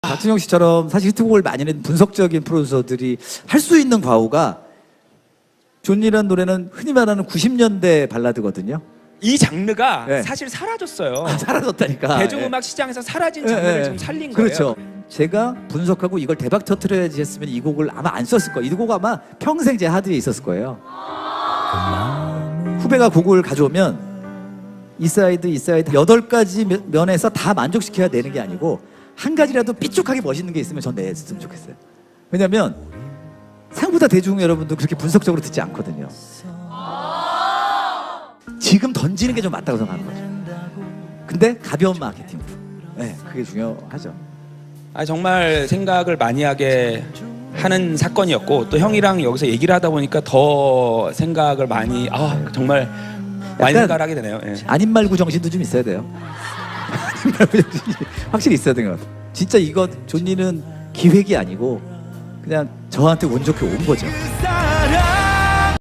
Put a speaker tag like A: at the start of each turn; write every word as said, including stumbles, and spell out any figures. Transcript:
A: 박진영 씨처럼 사실 히트곡을 많이 낸 분석적인 프로듀서들이 할 수 있는 과오가 존이라는 노래는 흔히 말하는 구십 년대 발라드거든요.
B: 이 장르가
A: 네.
B: 사실 사라졌어요.
A: 아, 사라졌다니까.
B: 대중음악 시장에서 사라진 장르를
A: 예, 예.
B: 지금 살린
A: 그렇죠.
B: 거예요.
A: 제가 분석하고 이걸 대박 터트려야지 했으면 이 곡을 아마 안 썼을 거예요. 이 곡 아마 평생 제 하드에 있었을 거예요. 후배가 곡을 가져오면 이 사이드 이 사이드 여덟 가지 면- 면에서 다 만족시켜야 되는 게 아니고 한 가지라도 삐죽하게 멋있는 게 있으면 전 냈으면 좋겠어요. 왜냐면 생각보다 대중 여러분도 그렇게 분석적으로 듣지 않거든요. 지금 던지는 게 좀 맞다고 생각하는 거죠. 근데 가벼운 마케팅으로. 네, 그게 중요하죠.
B: 아, 정말 생각을 많이 하게 하는 사건이었고 또 형이랑 여기서 얘기를 하다 보니까 더 생각을 많이 아 정말 많이
A: 약간
B: 생각을 하게 되네요. 예.
A: 아닌 말고 정신도 좀 있어야 돼요. 아닌 말고 정신이 확실히 있어야 되는 것 같아요. 진짜 이거 존니는 기획이 아니고 그냥 저한테 운 좋게 온 거죠.
C: 사랑